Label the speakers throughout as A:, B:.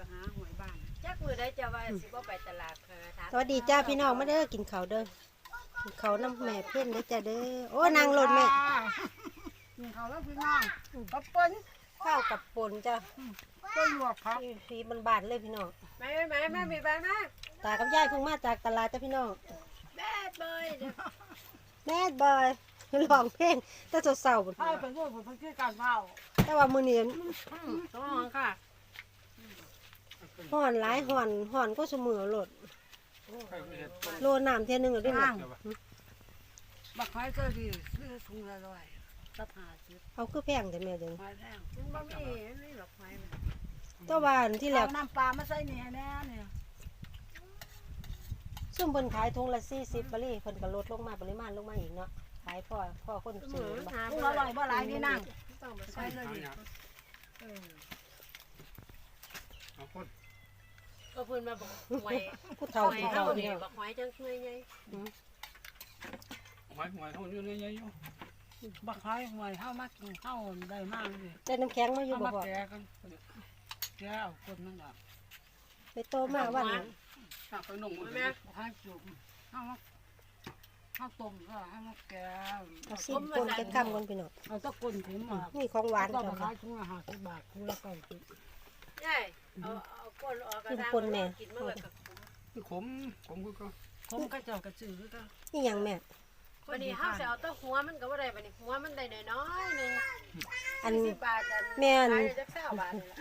A: หาหวยบ้าน
B: จักมือได้จะว่าสิบ่ไปตลาด
C: สวัสดีจ้าพี่น้องมาเด้อกินข้าวเด้อกินข้าวน้ำแม่เพ่นเด้อจ้าเด้อโอ้นางรถแม่
A: กินข้าวแล้วพี่น้องกับเปิ้น
C: ข้าวกับป่นจ้า
A: ก็หยวกครับ
C: ฟีบานๆเลยพี่น้อง
B: แม่มีบ้านนะ
C: ตากับยายเพิ่งมาจากตลาดจ้าพี่น้อง
B: แบดเบย
C: แม่บอยร้องเพลงแต่เศร้าๆ
A: ให้เป็นเรื่องของพื้นที่การเผา
C: แต่ว่ามื้อนี้
B: ต้องค่ะ
C: ฮ้อนหลายฮ้อนก็เสมอโลดโลน้ำเที่ยนึงได้มั้ย
A: บักไม้ก็ดีซื้อถุงละ100กับ50
C: เอาคือแพงแต่แม่เด้อ
A: ไม้แพง
B: มันบ่มีหรอกไฟ
C: แต่ว่าอันที่แร
A: เอา
C: ก
A: น้ำปลามาใส่นี่แน่เนี่ย
C: ซุ่มเพิ่นขายถุงละ40บาทเพิ่นก็ลดลงมาปริมาณลงมาอีกเนาะขายพ่อคนซื้อบ่
A: ถุงละ100บ่หลายนี่นั่ง
B: ต้องไป
A: ใส่
B: ใส่
A: เลยดิ
D: เอาคน
B: ก็เพิ่นมาบอกหวย
C: ผู้เฒ่ากินข้าว
B: นี่
C: เนี่ย
B: บักหวยจังช่วยไง
D: หวยเขาอยู่ในยัยอยู่
A: บักไม้หวยเฮามากินข้าวได้มากเลย
C: แต่น้ำแข็งมาอยู่
A: เอา
C: บ่
A: มา
C: พ่อ
A: แกะกันแกะเอาคนนั่นล่ะ
C: ไปโตมาวันนั้น
D: ถ้าไปนุ่งมัน
B: แม่
A: บักไม้จุ่มเฮามาเฮาต้มก็เฮามาแกะ
C: เอาสิปนจะคำกันพี่น้อง
A: เอาตะกุนถิ่มมา
C: นี่ของหวาน
A: ก็
C: จ้ะ
A: มาขายถุงละ50 บาทถุงละ90
B: ใช่เอาก้นออกกระด้างกินเมื่อกับ
D: คือขมคือก็
A: ผมก็เจ้ากระจือก็
C: นี่หยังแม่
B: วันนี้ห้าจะเอาต้นหัวมันก็ว่าได้วันนี้หัวมันได้น้อยนึง
C: อัน
B: 10 บาทขายจัก20 บาทนี่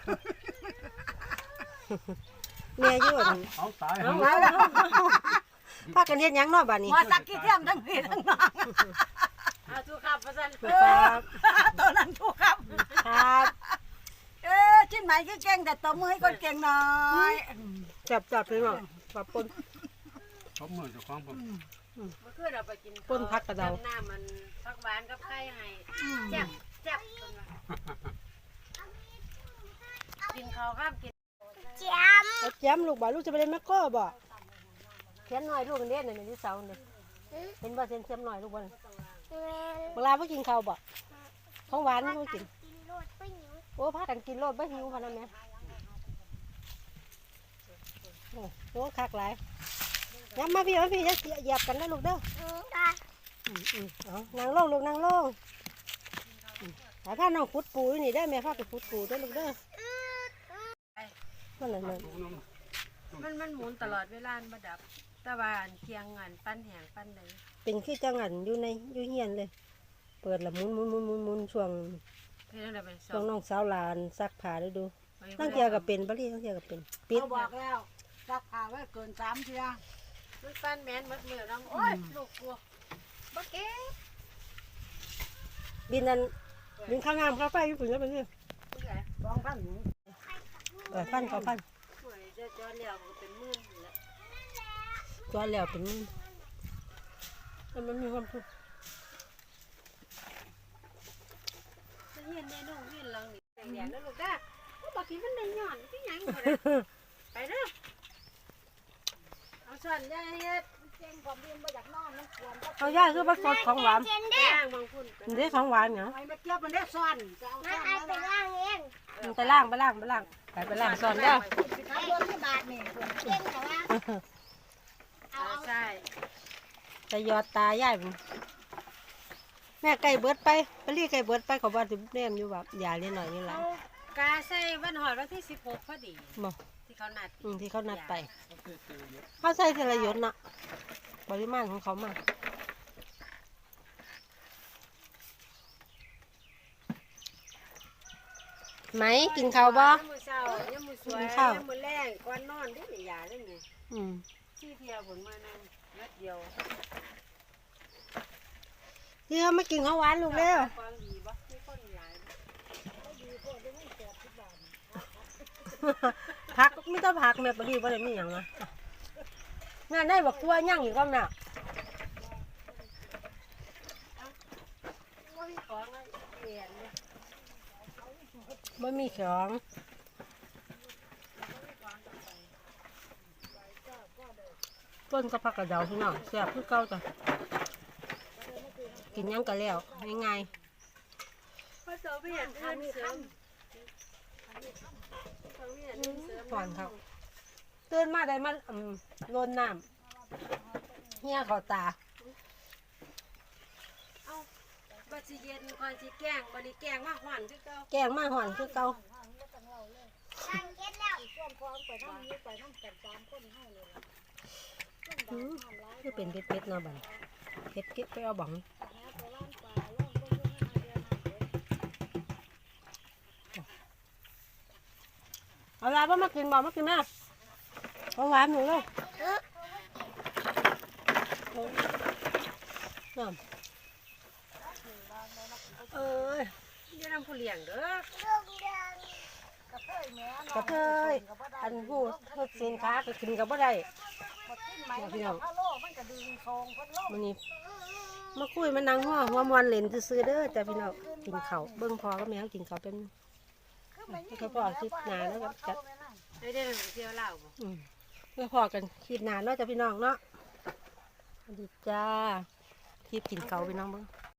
B: แหละ
C: แม่อยู่อัน
D: เอาตาย
C: เอาพากันเฮ็ดหยังเนาะบัดนี้
A: มาสักกี่เทียมทั้งพี่ทั้งน้อง
B: เอาทุกครับประสัน
C: ครับ
A: ตัวนั้นถูกครับ
C: ครับ
A: ชิ้นไหนก็เก่งแต่ตัวมือให้คนเก่งหน่อย
C: จับพี่น้องปะปน
D: ชอบมือเจ้าของผม
B: เมื่อคืนเราไปกิน
C: ปนผักกระเดา
B: จำหน้ามันผักหวานกับไข่ให้แซ่บแซ่บกินข้าวข้ามกิน
C: เอาแจมลูกบ่ลูกจะไปเล่นแมคโครบ่เขียนหน่อยลูกกันเด้นั่นที่เสาเนี่ยเห็นบ่เสียมหน่อยลูกบ่เวลาบ่กินข้าวบ่ของหวานบ่กินโอ้พากันกินโลดบ่หิวพะนั่นแม่โอ้โหคักหลายย้ำมาพี่จะเหยียบกันนะลูกเด้อเอานั่งลงลูกนั่งลงหาผ้าน้องขุดปูอยู่นี่ได้แม่พาไปขุดปูได้อลูกเด้อนั่นน่ะ
B: มันหมุนตลอดเวลาบ่ดับตะวันเคียงงานปั้นแหงปั้นเลย
C: เป็นคือจังหันอยู่เฮียนเลย เปิดละหมุนช่วง
B: เพื่อนเราเป็นส
C: ช่ว
B: อง ง
C: น้องสาวหลานซักผ้าได้ดูตั้งเทียก็เป็นบ่ลี่ตั้งเทียก็เป็นปิด
A: เขาบอกแล้วซักผ้าไว้เกิน3 เที่ย
B: มันปั้นแมนมัดมือน้องโอ้ยลูกกลัวบักเก๋
C: บินนั้นบินข้างงามข้างไฟอยู่ปุ่นแล้วเป็นนี่
A: 2,000หนู
C: พันก็พัน
B: หวยจะจอเลี้ยวก็เป็นหมื่นแล้ว
C: จอแล้วเป็นนี่แต่มันมีความสุข
B: จะเห็นในน้องเห็นหลังนี่แดงๆนะลูกจ้าบักทีมันได้หย่อนที่ยังไปเด้อเอาส่วนยายเฮ็ด
A: เก่งความดีบ่อยากนอนมันควรก็
C: เอาย่าคือผสมของหวาน
B: ไปย่างบางคุณ
C: มันได้ของหวานเหรอ
A: ไอ้มาเก็บมันได้ซ่อนจะเอาซ่อนแล้วนะ
C: มันไปล่างไปล่างสอนเด้อ
A: ขายรถที่บาทนี่เก่งแต่ว่า
B: ใช่
C: จะยอดตาย่ายมันแม่ไก่เบิดไปลี่ไก่เบิดไปเขาว่าถึงแนมอยู่แบบอย่าเล่นหน่อยนี่หละ
B: กาใส่วันหอดวันที่16พอดี
C: บ่
B: ที่เขานัด
C: ที่เขานัดไปเขาใส่ทีละหยดน่ะปริมาณของเขามาไหมกินข้าวบ่
B: มื้อเช้ายังมื้อสวยยังมื้อแรงก่อนนอนได้นี่ยาได้นี่ ที่เที่ยวผลมานั่นนัดเดียว
C: ที่เขาไม่กินข้าวหวานลูกเร็ว
B: ความดีบ่มีคนหลาย
C: ผักไม่ต้องผักแม่ปรีบ่ได้มีอย่างนะงานได้บอกตัวย่างอยู่ก้องน่ะ
B: บ่มีของอะไรเปลี่ยนเนี่ย
C: บ่มีของต้นก็ผักกระเดาพี่น้องแซ่บคือเก่าจ้ะกินหยังก็แล้วง่าย
B: พอเสาไปเห็นอื่นเสริมเขาเห็นอื่นเสริม
C: หอนครับตื่นมาได้มันโลนน้ำเหี้ยเขาตา
B: เอาบัดสิเย็นก่อนสิแกงบัดนี้แกงมาหอนคือเก่า
C: แกงมาหอนคือเก่าคือเป็นเป็ดๆเนาะบัดเผ็ดเก็บไปเอาบังเอาลาบ่มากินบ่มากินแม่เอาหวานหนูเลยน้ำเอ้ย
B: อย่านำผู้เลี้ยงเด้อก
C: ระเทยอันหูสินค้าก็กินกับบ่ได้พี่น้องวันนี้มาคุยมานั่งหัวมวนเล่นซื้อๆเด้อแต่พี่น้องกินข้าวเบิ่งพอก็แม่งกินข้าวเป็นเขาพอคลิปหนาแล้วก็จัด
B: ได้เที่ยวลาวบ่
C: เพื่อพอกันคลิปหนาเนาะจ้ะพี่น้องเนาะสวัสดีจ้าคลิปกินข้าวพี่น้องเบิ่ง